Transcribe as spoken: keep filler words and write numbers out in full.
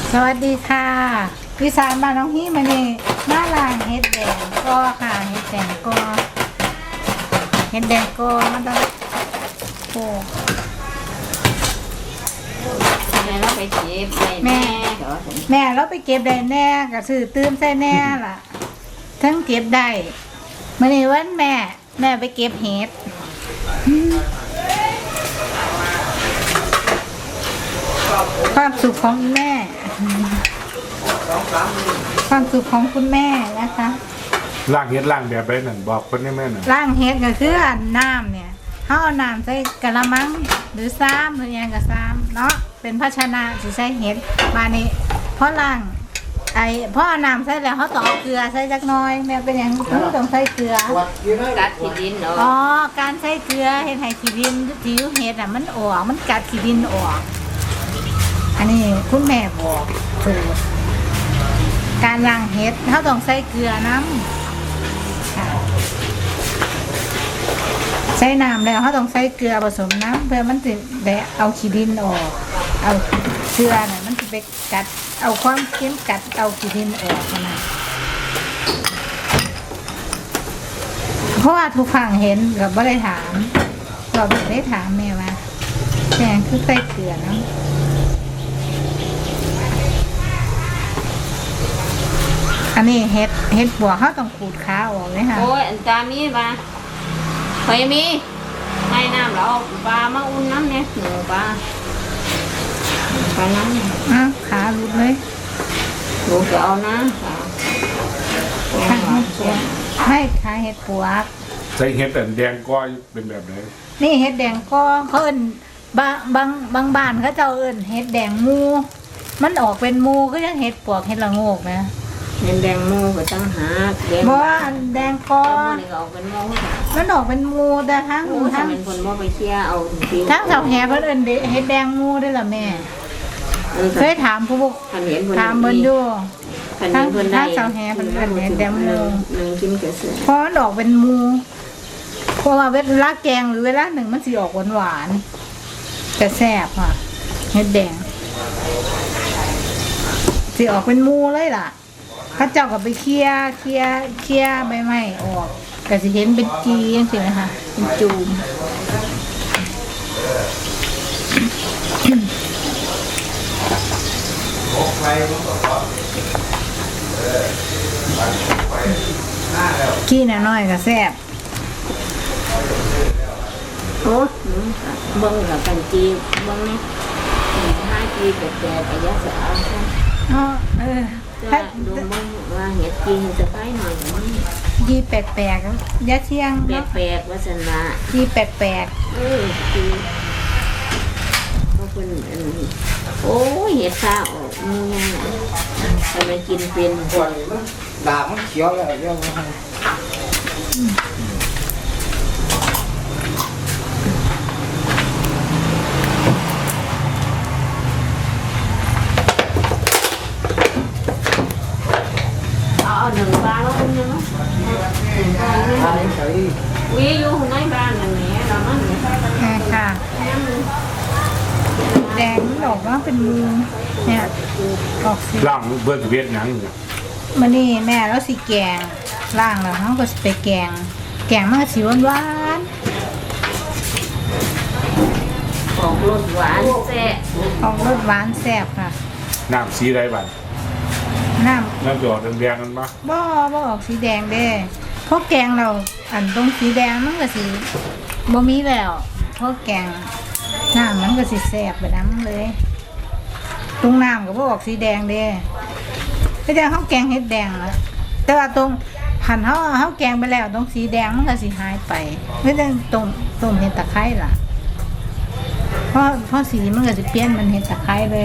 สวัสดีค่ะวิสานมาน้องฮี่มานี่มาล้างเห็ดแดงก็ค่ะเห็ดแดงก็เห็ดแดงก็มันต้องโอ้แม่เราไปเก็บได้แม่แม่เราไปเก็บได้แน่ก็ซื้อตื้มใส่แน่ล่ะทั้งเก็บได้มาในวันแม่แม่ไปเก็บเห็ดความสุขของแม่ความสุขของคุณแม่นะคะล่างเฮ็ดล่างแบบไรนั่นบอกคนได้แม่น่ะล่างเฮ็ดก็คืออันน้ำเนี่ยเขาเอาน้ำใส่กะละมังหรือซ้ำหรือยังกับซ้ำเนาะเป็นภาชนะสิใส่เฮ็ดมานี้เพราะล่างไอ้เพราะเอาน้ำใส่แล้วเขาต้องเอาเกลือใส่จักหน่อยแม่เป็นอย่างนี้ต้องใส่เกลือกัดขี้ดินเนาะอ๋อการใส่เกลือเฮ็ดให้ขี้ดินที่อยู่เฮ็ดอ่ะมันออกมันกัดขี้ดินออกอันนี้คุณแม่บอกสูตรการล้างเห็ดเขาต้องใส่เกลือน้ำใส่น้ำแล้วเขาต้องใส่เกลือผสมน้ำเพื่อมันจะได้เอาขี้ดินออกเอาเกลือเนี่ยมันจะไปกัดเอาความเค็มกัดเอาขี้ดินออกนะเพราะว่าทุกครั้งเห็นกับไม่ได้ถามเราไม่ได้ถามแม่ว่าแม่คือใส่เกลือน้ำอันนี้เห็ดเห็ดบัวเขาต้องขูดขาออกเลยค่ะโอ้ยอันตามีปลาเคยมีให้น้ำเราปลามาอุ่นน้ำเนี่ยหนูปลาปลาน้ำอ้าวขาหลุดเลยหนูจะเอานะขาเห็ดปวกไม่ขาเห็ดปวกใส่เฮ็ดแต่แดงก้อยเป็นแบบไหนนี่เห็ดแดงก็เขาเอิ้นบางบางบางบ้านเขาจะเอิ้นเห็ดแดงมูมันออกเป็นมูก็ยังเห็ดปวกเห็ดละโงกนะเห็นแดงมูก็ต้องหาแดงเพราะแดงก้อนมันออกเป็นมูมันออกเป็นมูแต่ทั้งทั้งเป็นคนว่าไปเชี่ยเอาทั้งสาวแหเพิ่นเอิ้นเห็ดแดงมูได้ล่ะแม่เคยถามผู้ปกถามเพิ่นอยู่ทั้งทั้งสาวแหเพิ่นเอิ้นเห็ดแดงมูเพราะมันออกเป็นมูเพราะว่าเวลาแกงหรือเวลาหนึ่งมันสิออกหวานๆแต่แซ่บค่ะเห็ดแดงสิออกเป็นมูเลยล่ะข้าเจ้าก็ไปเคี่ยเคี่ยเคี่ยใบไม้ออกก็สิเห็นเป็นจีอย่างสินะคะเป็นจูมกี้น่ะน้อยก็แซ่บโอ้เบิ้งกับกันจีเบิ้งนี่ห้าจีแปดแปดแต่ยาสาวใช่อ๋อเออถ้าดูมึงว่าเห็ดจีจะไปหน่อยยีแปลกๆยาเชียงแปลกๆว่าสันละยีแปลกๆเออจีก็เป็นโอ้ยเห็ดข้าวมึงยังไงทำไมกินเป็นด่ามันเขียวเลยเรื่องหนึ่งบ้านแล้วคุณยังวิ่งอยู่ในบ้านอย่างนี้เรามันไม่ใช่แม่ค่ะแดงดอกว่าเป็นมือเนี่ยออกสีล่างเบิร์ดเวียดหนังมันนี่แม่แล้วสีแกงล่างแล้วเขาก็ไปแกงแกงมันก็สีหวานหวานออกรสหวานแซ่บออกรสหวานแซ่บค่ะน้ำสีไรบ้างน้ำน้ำจะออกแดงๆนั่นปะบ่บ่ออกสีแดงเด้เพราะแกงเราอันตรงสีแดงมันก็สีบ่มีแล้วเพราะแกงน้ำมันก็สีแสบไปน้ำเลยตรงน้ำก็บ่ออกสีแดงเด้ไม่ได้เขาแกงเห็ดแดงแล้วแต่ว่าตรงหั่นเขาเขาแกงไปแล้วตรงสีแดงมันก็สีหายไปไม่ได้ตรงตรงเห็ดตะไคร้ล่ะเพราะเพราะสีมันก็จะเปลี่ยนมันเห็ดตะไคร้เลย